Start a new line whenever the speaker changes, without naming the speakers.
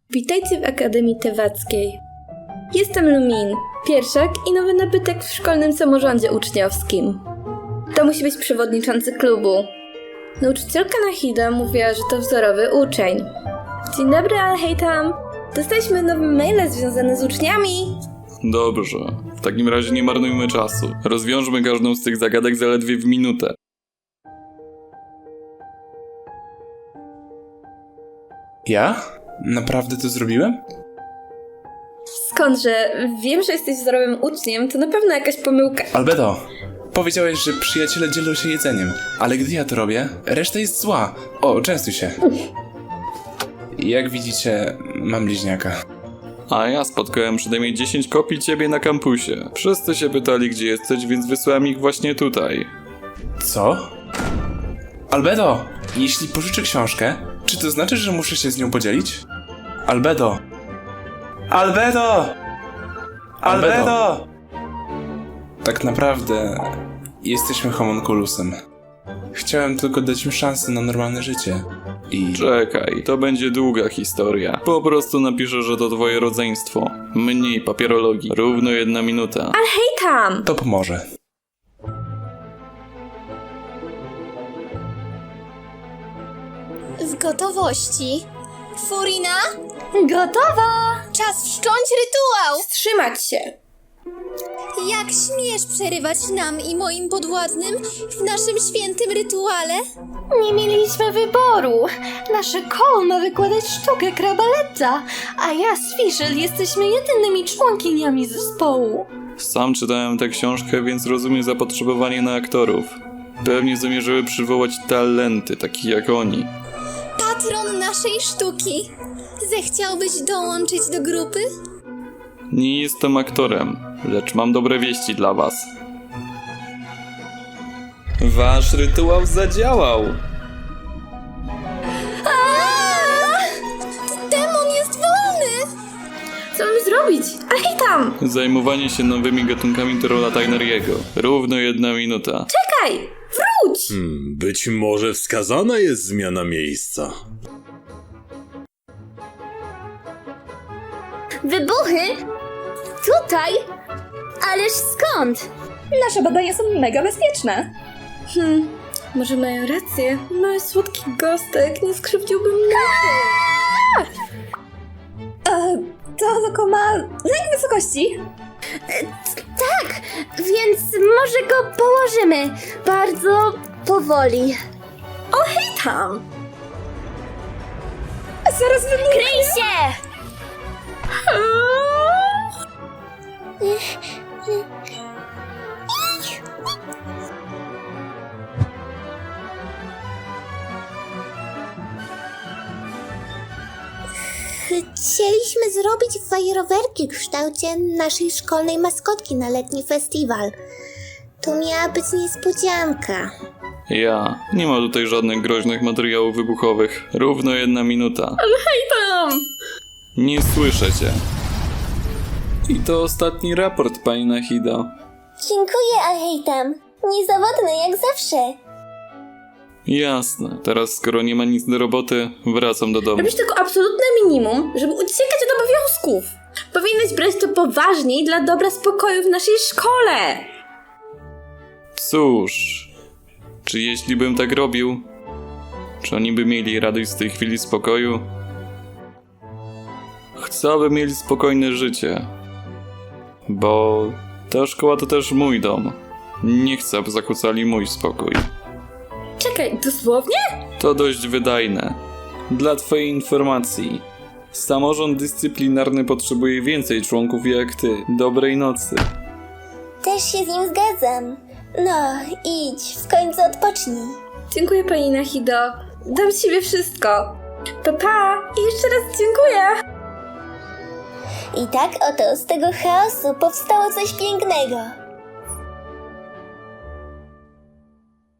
Witajcie w Akademii Tewackiej. Jestem Lumin, pierwszak i nowy nabytek w szkolnym samorządzie uczniowskim. To musi być przewodniczący klubu. Nauczycielka Nahida mówiła, że to wzorowy uczeń. Dzień dobry, ale hej tam. Dostaliśmy nowe maile związane z uczniami.
Dobrze. W takim razie nie marnujmy czasu. Rozwiążmy każdą z tych zagadek zaledwie w minutę.
Ja? Naprawdę to zrobiłem?
Skądże? Wiem, że jesteś wzorowym uczniem, to na pewno jakaś pomyłka.
Albedo, powiedziałeś, że przyjaciele dzielą się jedzeniem, ale gdy ja to robię, reszta jest zła. O, częstuj się. Jak widzicie, mam bliźniaka.
A ja spotkałem przynajmniej 10 kopii ciebie na kampusie. Wszyscy się pytali, gdzie jesteś, więc wysłałem ich właśnie tutaj.
Co? Albedo, jeśli pożyczę książkę, czy to znaczy, że muszę się z nią podzielić? Albedo! Albedo! Albedo! Tak naprawdę jesteśmy homunculusem. Chciałem tylko dać im szansę na normalne życie. I...
Czekaj, to będzie długa historia. Po prostu napiszę, że to twoje rodzeństwo. Mniej papierologii. Równo 1 minuta.
Ale hej tam!
to pomoże.
W gotowości. Furina?
Gotowa!
Czas wszcząć rytuał!
Wstrzymać się!
Jak śmiesz przerywać nam i moim podwładnym w naszym świętym rytuale?
Nie mieliśmy wyboru. Nasze koło ma wykładać sztukę krabaleta, a ja z Fischl jesteśmy jedynymi członkiniami zespołu.
Sam czytałem tę książkę, więc rozumiem zapotrzebowanie na aktorów. Pewnie zamierzyły przywołać talenty, takie jak oni.
Patron naszej sztuki. Zechciałbyś dołączyć do grupy?
Nie jestem aktorem, lecz mam dobre wieści dla was. Wasz rytuał zadziałał!
Demon jest wolny!
Co mam zrobić? Ale hej tam!
Zajmowanie się nowymi gatunkami to rola Tainariego. Równo 1 minuta.
Czekaj! Wróć!
Być może wskazana jest zmiana miejsca.
Wybuchy? Tutaj? Ależ skąd?
Nasze badania są mega bezpieczne.
Może mają rację? Mały słodki gostek nie skrzywdziłby mnie.
To oko ma lęk wysokości.
Tak, więc może go położymy bardzo powoli.
Hej tam!
Zaraz wybuchnie.
Kryj się!
Chcieliśmy zrobić fajerwerki w kształcie naszej szkolnej maskotki na letni festiwal. To miała być niespodzianka.
Nie ma tutaj żadnych groźnych materiałów wybuchowych. Równo 1 minuta.
Tam!
Nie słyszę cię. I to ostatni raport, pani Nahida.
Dziękuję, Ahejtam. Niezawodny jak zawsze.
Jasne. Teraz skoro nie ma nic do roboty, wracam do domu.
Robisz tylko absolutne minimum, żeby uciekać od obowiązków. Powinnaś brać to poważniej dla dobra spokoju w naszej szkole.
Cóż, czy jeśli bym tak robił, czy oni by mieli radość z tej chwili spokoju? Chcę, aby mieli spokojne życie, bo ta szkoła to też mój dom. Nie chcę, aby zakłócali mój spokój.
Czekaj, dosłownie?
To dość wydajne. Dla twojej informacji, samorząd dyscyplinarny potrzebuje więcej członków jak ty. Dobrej nocy.
Też się z nim zgadzam. No, idź, w końcu odpocznij.
Dziękuję pani Nahido. Dam z siebie wszystko. Pa! I jeszcze raz dziękuję.
I tak oto z tego chaosu powstało coś pięknego.